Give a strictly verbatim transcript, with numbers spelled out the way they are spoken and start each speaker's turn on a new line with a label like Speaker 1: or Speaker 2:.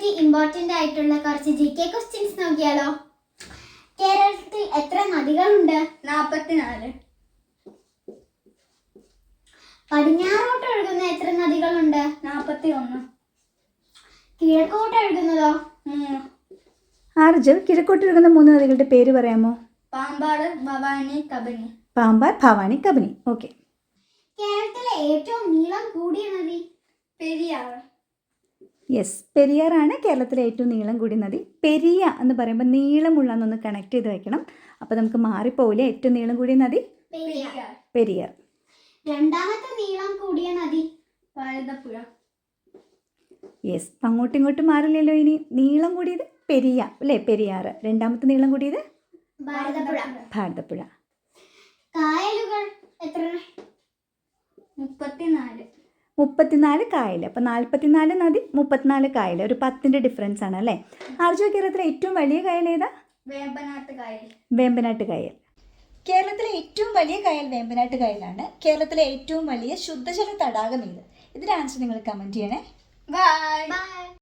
Speaker 1: പറ്റി ഇമ്പോർട്ടന്റ് ആയിട്ടുള്ള കുറച്ച് ജി കെ ക്വസ്റ്റ്യൻസ് നോക്കിയാലോ? കേരളത്തിൽ എത്ര നദികളുണ്ട്?
Speaker 2: നാൽപ്പത്തിനാല്.
Speaker 1: പടിഞ്ഞാറോട്ട് ഒഴുകുന്ന എത്ര നദികളുണ്ട്?
Speaker 2: നാൽപ്പത്തി ഒന്ന്.
Speaker 1: കിഴക്കോട്ട് ഒഴുകുന്നതോ?
Speaker 2: മൂന്ന്.
Speaker 3: ആർജവ്, കിഴക്കോട്ട് ഒഴുകുന്ന മൂന്ന് നദികളുടെ പേര് പറയാമോ?
Speaker 2: പാമ്പാട്, ഭവാനി, കബനി.
Speaker 3: പാമ്പാർ, ഭവാനി, കബനി. ഓക്കെ.
Speaker 1: കേരളത്തിലെ ഏറ്റവും നീളം കൂടിയ നദി?
Speaker 2: പെരിയാർ.
Speaker 3: യെസ്, പെരിയാറാണ് കേരളത്തിലെ ഏറ്റവും നീളം കൂടിയ നദി. പെരിയ എന്ന് പറയുമ്പോൾ നീളമുള്ള എന്നൊന്ന് കണക്ട് ചെയ്ത് വെക്കണം. അപ്പോൾ നമുക്ക് മാറിപ്പോവില്ല. ഏറ്റവും നീളം കൂടിയ നദി
Speaker 2: പെരിയാർ.
Speaker 3: പെരിയാർ.
Speaker 1: രണ്ടാമത്തെ നീളം കൂടിയ നദി?
Speaker 2: ഭാരതപ്പുഴ.
Speaker 3: യെസ്, അങ്ങോട്ടും ഇങ്ങോട്ടും മാറില്ലല്ലോ. ഇനി നീളം കൂടിയത് പെരിയ അല്ലേ, പെരിയാർ. രണ്ടാമത്തെ നീളം കൂടിയത്
Speaker 1: ഭാരതപ്പുഴ.
Speaker 3: ഭാരതപ്പുഴ.
Speaker 1: കായലുകൾ എത്ര?
Speaker 2: മുപ്പത്തിനാല്.
Speaker 3: മുപ്പത്തിനാല് കായൽ. അപ്പോൾ നാൽപ്പത്തിനാല് നദി, മുപ്പത്തിനാല് കായൽ. ഒരു പത്തിൻ്റെ ഡിഫറൻസ് ആണ് അല്ലേ. ആർജോ, കേരളത്തിലെ ഏറ്റവും വലിയ കായൽ ഏതാ?
Speaker 2: വേമ്പനാട്ട് കായൽ.
Speaker 3: വേമ്പനാട്ട് കായൽ. കേരളത്തിലെ ഏറ്റവും വലിയ കായൽ വേമ്പനാട്ട് കായലാണ്. കേരളത്തിലെ ഏറ്റവും വലിയ ശുദ്ധജല തടാകം ഏത്? ഇതിൻ്റെ ആൻസർ നിങ്ങൾ കമൻറ്റ് ചെയ്യണേ.
Speaker 2: ബൈ.
Speaker 1: ബൈ.